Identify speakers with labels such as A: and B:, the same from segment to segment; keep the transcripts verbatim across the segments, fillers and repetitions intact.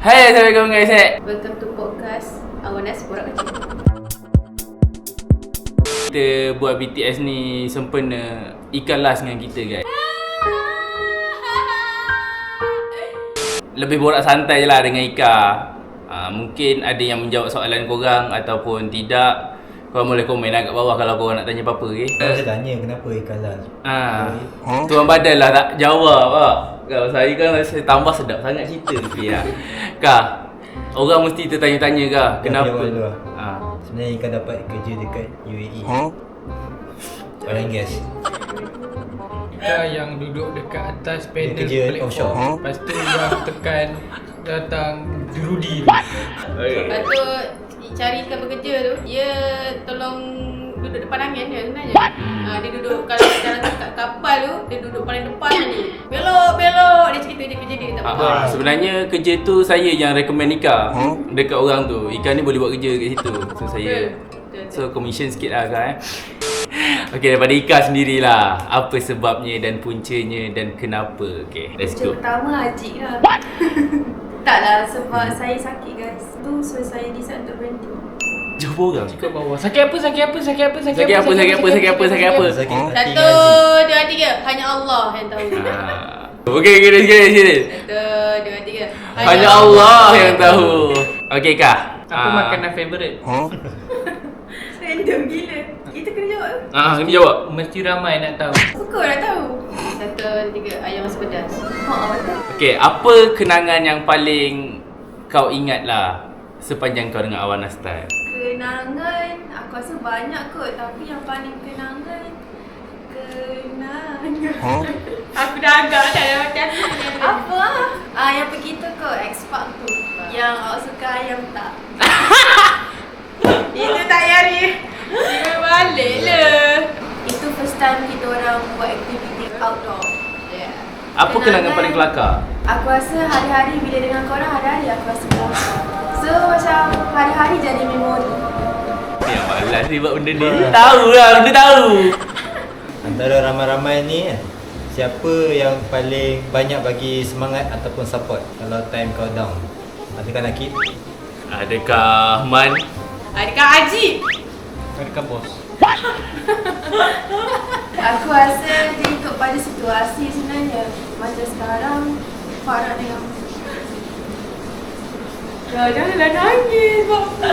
A: Hai, Assalamualaikum guys.
B: Welcome to podcast Awanas Borak Kecil.
A: Kita buat B T S ni sempena Ika last dengan kita guys. Lebih borak santai je lah dengan Ika. uh, Mungkin ada yang menjawab soalan korang ataupun tidak. Korang boleh komen lah kat bawah kalau korang nak tanya apa-apa, okay?
C: Saya tanya kenapa ikan last.
A: Ah, huh? Tuan badan lah tak jawab lah. Kalau saya kan saya tambah sedap sangat cerita ni lah. Kak, orang mesti tertanya-tanya kak, kenapa?
C: Ah. Sebenarnya ikan dapat kerja dekat U A E. Huh? Oil and gas.
D: Ika yang duduk dekat atas panel
C: kerja
D: platform.
C: offshore. Huh?
D: Lepas tu yang tekan datang Rudi tu.
B: Lepas tu cari ikan bekerja tu, dia tolong duduk depan angin dia sebenarnya. Ha, dia duduk kalau dalam kat kapal tu, dia duduk paling depan ni. Belok, belok. Dia cerita dia kerja dia tak
A: Ah,
B: betul.
A: ah, sebenarnya kerja tu saya yang recommend Ika huh? dekat orang tu. Ika ni boleh buat kerja kat situ. So saya
B: Betul, betul.
A: so commission sikit lah kak eh. Okay, daripada Ika sendirilah, apa sebabnya dan puncanya dan kenapa. Okay, let's
E: Punca
A: go.
E: pertama Haji lah. Taklah sebab saya sakit guys. Tu so saya decide untuk berhenti.
A: Jumpa orang.
D: Kat bawah. Sakit apa? Sakit apa? Sakit apa?
A: Sakit apa? Sakit apa? Sakit apa? Sakit apa?
C: Sakit hati
B: Satu,
C: dengan
B: dua, tiga. Hanya Allah yang tahu.
A: Ah. Okay, okay, let's go, let's go.
B: Satu, dua, tiga.
A: Hanya Allah yang tahu. Okay kak.
D: Apa
A: Ah.
D: makanan favourite?
E: Random gila. Kita kena jawab.
A: Ah, kena jawab.
D: Mesti ramai nak tahu.
E: Suka nak tahu.
B: Satu, dua, tiga. Ayam masak pedas.
E: Haa betul.
A: Okay, apa kenangan yang paling kau ingat lah sepanjang kau dengan Awanas Style?
E: Kenangan aku rasa banyak kot, tapi yang paling kenangan kenangan.
A: Huh?
B: Aku dah agak dah dalam hati aku.
E: Apa ah? Ah yang pergi tu kot X-Park tu. Yang awak suka ayam tak?
B: Itu tak yari. Dia balik lah.
E: Itu first time kita orang buat aktiviti outdoor.
B: Yeah.
A: Apa kenangan paling kelakar?
E: Aku rasa hari-hari bila dengan korang hari-hari aku rasa kelakar. So macam hari-hari jadi memori.
A: Yang malas ni buat benda ni. Tahu lah, dia tahu.
C: antara ramai-ramai ni kan, siapa yang paling banyak bagi semangat ataupun support kalau time kau down? Adakah Nakib?
A: Adakah Man?
B: Adakah Haji?
D: Adakah bos?
E: Aku rasa dia ikut pada situasi sebenarnya. Macam sekarang Farah dengan
B: Dah janganlah nangis bapa.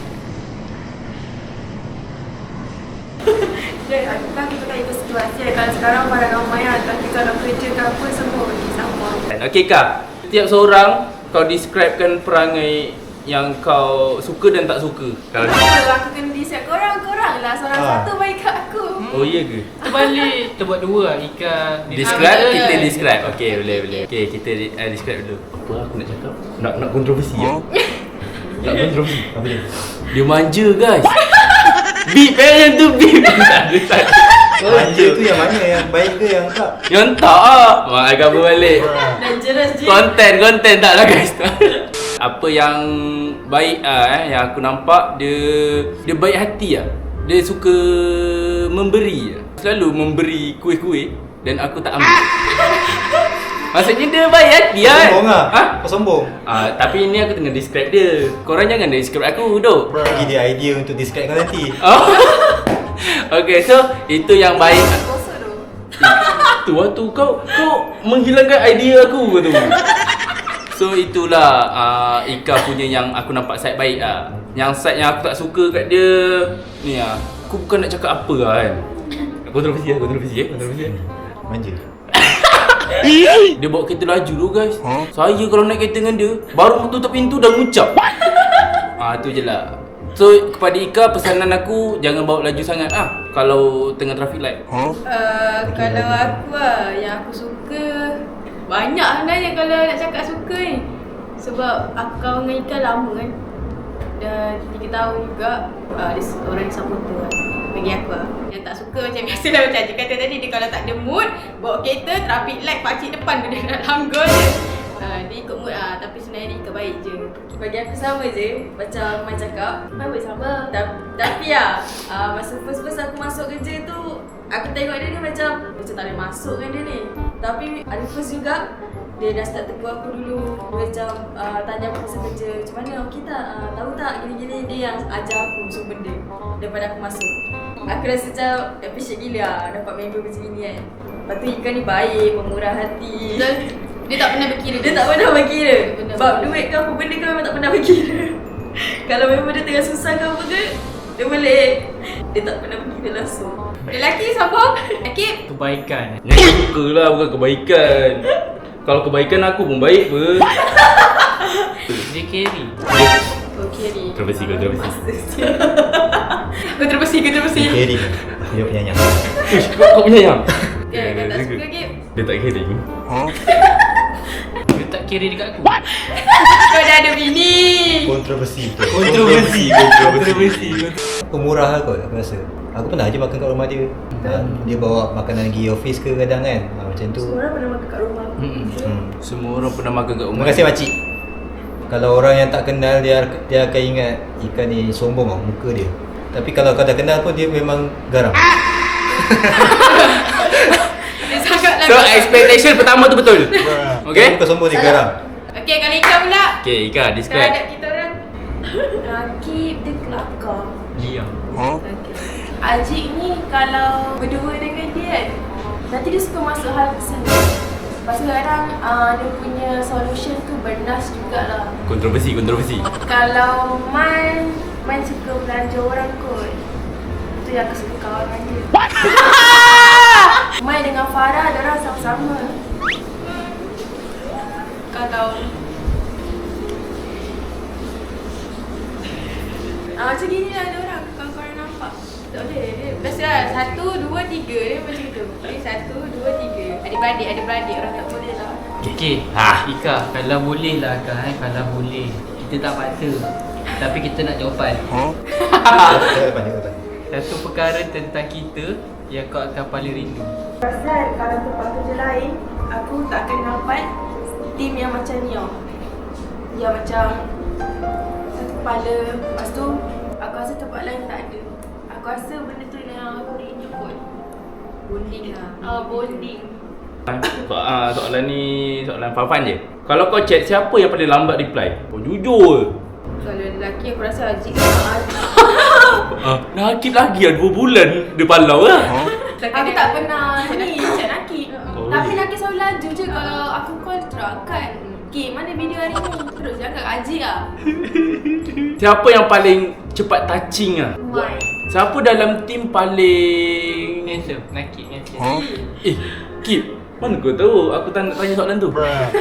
E: Aku kan kita tak ikut situasi. Kalau sekarang Farah dengan Maya, tapi kalau kerja ke apa semua bagi sama.
A: Okay kak, setiap seorang kau describekan perangai yang kau suka dan tak suka. Kalau
E: Kenapa aku kena decide korang? Korang lah seorang
C: Ah.
E: satu baik kat aku.
A: oh iya ke?
D: Terbalik. Kita buat dua lah. Ika
A: Describe,
D: Ah,
A: kita
D: betul.
A: describe. Okay, boleh boleh. Okay, kita uh, describe dulu. Apa aku nak cakap? Nak nak kontroversi ya? Nak kontroversi.
C: Apa dia?
A: Dia manja guys. Beep eh yang tu beep. Tak ada, tak ada.
C: Manja tu yang mana? Yang baik ke yang tak?
A: Yang tak ah. Mak agak balik.
E: Dangerous je.
A: Konten, konten tak lah guys. Apa yang baik ah eh yang aku nampak, dia dia baik hati ah. Dia suka memberi. Selalu memberi kuih-kuih dan aku tak ambil. Maksudnya dia baik hati
C: Kau
A: kan?
C: sombong lah?
A: Ha?
C: Kau sombong?
A: Ah, tapi ni aku tengah describe dia. Korang jangan describe aku, duk.
C: Bagi dia idea untuk describe kau nanti.
A: Oh. Okay, so itu yang baik.
E: Kosong tu.
A: Tu waktu kau kau menghilangkan idea aku tu. So itulah uh, Ika punya yang aku nampak side baik ah. Yang side yang aku tak suka kat dia ni ah. Aku bukan nak cakap apa lah kan. Kontroversi ah, kontroversi eh, kontroversi. eh.
C: Manja.
A: Dia bawa kereta laju tu guys. Saya kalau naik kereta dengan dia, baru tutup pintu dah ngucap. Ah tu je lah. So kepada Ika, pesanan aku jangan bawa laju sangat ah kalau tengah traffic light.
B: Uh, kalau aku lah, yang aku suka banyak sebenarnya kalau nak cakap suka ni. Sebab aku kawan dengan Ika lama kan. Dah tiga tahun juga. uh, Dia orang yang supporter lah bagi aku lah. Yang tak suka macam biasalah macam Haji kata tadi, dia kalau tak ada mood, bawa kereta, traffic light, pakcik depan tu dia nak langgol je. uh, Dia ikut mood lah, tapi sebenarnya dia Ika baik je. Bagi aku sama je, macam Mai cakap, Mai boleh sama. Ta- Tapi lah, uh, masa first-first aku masuk kerja tu, aku tengok dia ni macam macam tak boleh masuk kan dia ni. Tapi ada first juga, Dia dah start tegur aku dulu. Dia macam uh, tanya aku pasal kerja. Macam mana, okey tak? Uh, tahu tak? Gini-gini dia yang ajar aku semua benda daripada aku masuk. Aku rasa macam appreciate gila lah dapat member macam ni kan. Lepas tu Ika ni baik, pemurah hati.
E: Dan dia tak pernah berkira.
B: Dia tak pernah berkira.
E: Benar.
B: Bab duit ke apa benda ke memang tak pernah berkira. Kalau memang dia tengah susah ke apa ke, dia boleh. Dia tak pernah berkira langsung.
E: Lelaki sambung. Lelaki.
D: Kebaikan.
A: Yang suka lah bukan kebaikan. Kalau kebaikan aku pun baik pun.
D: Dia carry.
B: Okey ni.
A: Kontroversi, kontroversi.
E: Kau terbersih, kau terbersih.
C: Carry. Dia penyayang.
A: Ish, kau, kau punya yang?
B: Kan, kau tak suka ke?
A: Dia tak caring.
D: Dia tak carry dekat aku.
B: Kau dah ada bini.
C: Kontroversi.
A: Kontroversi, kontroversi.
C: Pemurah lah kot aku rasa. Aku pernah je makan kat rumah dia. Ha, dia bawa makanan pergi office ke kadang kan. Ha, macam tu.
B: Semua orang pernah makan kat rumah.
A: Hmm.
C: Hmm.
A: Semua orang pernah makan kat rumah.
C: Terima kasih makcik. Kalau orang yang tak kenal dia dia akan ingat ikan ni sombong lah muka dia. Tapi kalau kau dah kenal pun dia memang garam.
E: Dia sangatlah.
A: So expectation pertama tu betul. Okay?
C: Kau sombong dia garam.
E: Okey, kalau Ika pula.
A: Okay, Ika describe.
E: Terhadap kita orang.
B: Rakib dia kelakar.
D: Dia.
E: Ajik ni kalau berdua dengan dia kan, nanti dia suka masuk hal personal. Lepas tu kadang uh, dia punya solution tu bernas jugalah.
A: Kontroversi, kontroversi.
E: Kalau Man, Man suka belanja orang kot. Itu yang aku suka kawan dengan dia. Man dengan Farah, diorang sama-sama. Kalau Ah, macam gini lah ada orang kalau korang nampak. Tak boleh. Dia biasa lah. Satu, dua, tiga. Dia macam tu. Okay, satu, dua, tiga. Adik-beradik, adik-beradik. Orang tak boleh lah.
D: Okay, okay.
A: Ha.
D: Ika, kalau boleh lah Kak eh. Kalau boleh. Kita tak paksa. Tapi kita nak jawapan.
C: Tengok depan, tengok depan.
D: Satu perkara tentang kita yang kau akan paling rindu.
E: Pasal kalau tempat kerja lain, aku tak akan dapat tim yang macam ni tau. Yang macam satu kepala. Lepas tu, aku rasa tempat lain tak ada. Aku rasa benda tu yang aku rindu kot.
B: Bonding lah.
E: Ah, bonding.
A: So, uh, soalan ni soalan fun-fun je. Kalau kau chat siapa yang paling lambat reply? Kau jujur.
B: Kalau lelaki aku rasa Ajik lah.
A: Ah, Nakib lagi lah dua bulan dia palau lah.
E: Aku tak pernah ni chat Nakib.
A: Oh.
E: Tapi Nakib selalu laju je kalau aku call terus angkat. Okay, mana video hari ni? Terus jangan Ajik lah.
A: Siapa yang paling cepat touching lah?
E: Why?
A: Siapa dalam tim paling
D: Handsome. Nakib handsome.
A: Eh, Kip, mana kau tahu aku tak nak tanya soalan tu?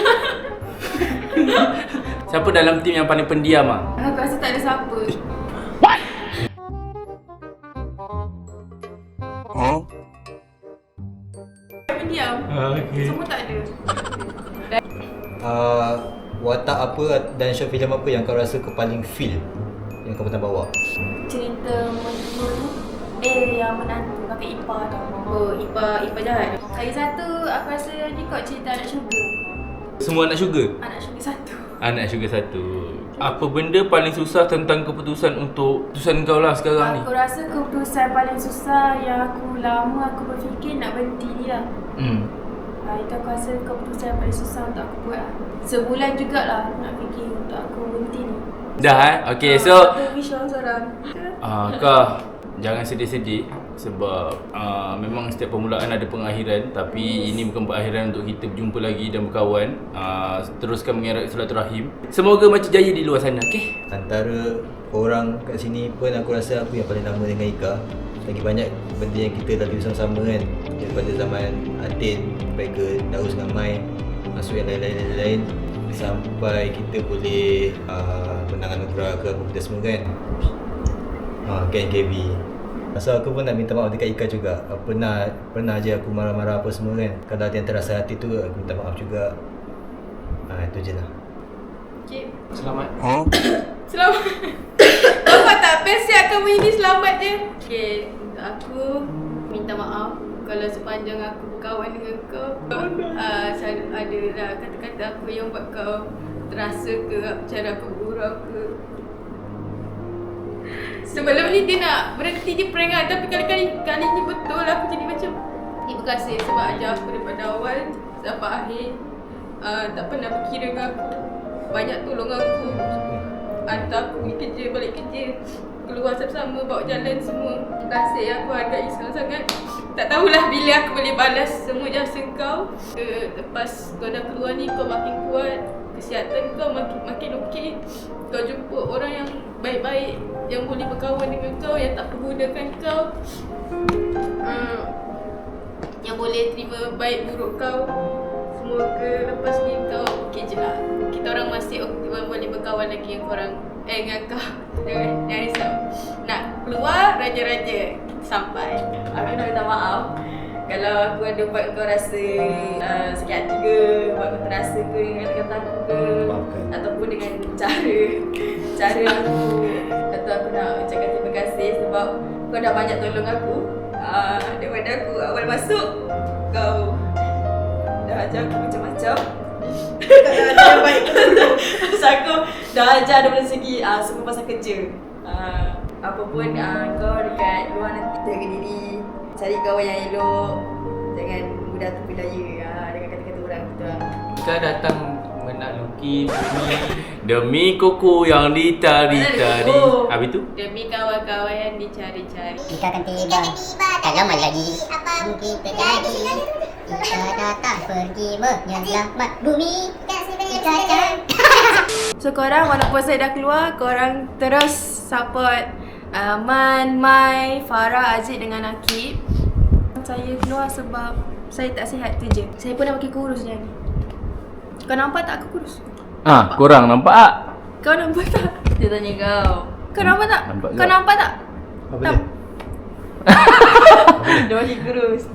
A: Siapa dalam tim yang paling pendiam ah?
E: Aku rasa tak ada siapa. Pendiam.
A: Okay.
E: Semua tak ada.
C: Uh, watak apa dan short film apa yang kau rasa kau paling feel yang kau pernah bawa?
E: Cerita mentua tu eh yang menantu kakak ipar tau.
B: Oh, Ipa, Ipa jahat.
E: Lagi satu aku rasa ni kot cerita anak sugar.
A: Semua anak sugar?
E: Anak sugar satu.
A: Anak sugar satu. Apa benda paling susah tentang keputusan untuk keputusan kau lah sekarang ni?
E: Aku rasa keputusan paling susah yang aku lama aku berfikir nak berhenti ni lah.
A: Hmm.
E: Ha, itu aku rasa keputusan yang paling susah untuk aku buat lah. Sebulan jugalah aku nak fikir untuk aku berhenti ni.
A: Dah eh? Okay, so
E: Itu wish orang seorang.
A: Ah, kau jangan sedih-sedih sebab uh, memang setiap permulaan ada pengakhiran, tapi ini bukan perakhiran untuk kita berjumpa lagi dan berkawan. Uh, teruskan mengerat silaturahim. Semoga macam jaya di luar sana, okey?
C: Antara orang kat sini pun aku rasa aku yang paling lama dengan Ika. Lagi banyak benda yang kita lalui bersama-sama kan. Daripada zaman Atin sampai ke Daus dengan Mai, masuk yang lain-lain sampai kita boleh uh, menang anugerah ke apa benda semua kan. Ha, K N K B. So aku pun nak minta maaf dekat Ika juga. Pernah pernah je aku marah-marah apa semua kan. Kalau ada yang terasa hati tu aku minta maaf juga. Ha, itu je lah.
E: Okay.
D: Selamat.
E: Selamat. Kau tak best siap kamu ini selamat je.
B: Okay, untuk aku minta maaf kalau sepanjang aku berkawan dengan kau uh, selalu ada lah kata-kata aku yang buat kau terasa ke cara aku bergurau ke. Sebelum ni dia nak berhenti je prank kan, tapi kali-kali kali ni betul aku jadi macam terima kasih sebab ajar aku daripada awal sampai akhir. uh, tak pernah berkira dengan aku. Banyak tolong aku. Hantar aku pergi kerja, balik kerja, keluar sama-sama, bawa jalan semua. Terima kasih, aku hargai sangat-sangat. Tak tahulah bila aku boleh balas semua jasa kau. uh, Lepas kau dah keluar ni, kau makin kuat, kesihatan kau makin makin okey. Kau jumpa orang yang baik-baik, yang boleh berkawan dengan kau, yang tak pergunakan kau, uh, yang boleh terima baik buruk kau. Semoga lepas ni kau okey je lah. Kita orang masih ok- boleh berkawan lagi dengan korang. Eh dengan kau. Jangan, jangan risau. Nak keluar raja-raja sampai. Aku nak minta maaf kalau aku ada buat kau rasa uh, sakit hati ke, buat kau terasa ke dengan kata aku ke,
C: Maafkan.
B: ataupun dengan cara cara aku. Kata aku nak ucapkan terima kasih sebab kau dah banyak tolong aku. Uh, daripada aku awal masuk, kau dah ajar aku macam-macam. Kau dah ajar yang baik pasal aku dah ajar dari segi uh, semua pasal kerja. uh, Apa pun uh, kau dekat luar nanti jaga diri, cari kawan yang elok, jangan mudah terpedaya uh, dengan kata-kata orang gitu lah.
D: Kita datang menakluki bumi.
A: Demi koko yang ditari-tari.
B: Oh.
A: Habis tu?
B: Demi kawan-kawan yang dicari-cari.
F: Kita akan tiba. Tak lama lagi akan kita jadi. Kita datang pergi menyelamat bumi. Kita akan.
E: So korang walaupun saya dah keluar, korang terus support uh, Man, Mai, Farah, Aziz dengan Akib. Saya keluar sebab saya tak sihat tu je. Saya pun dah makin kurus dah ni. Kau nampak tak aku kurus?
A: Ah, korang nampak tak?
E: Kau nampak tak?
B: Dia tanya kau.
E: Kau nampak tak?
A: Nampak
E: Kau
A: tak?
E: nampak tak?
C: Apa
E: Tak.
C: dia?
B: Dia makin kurus.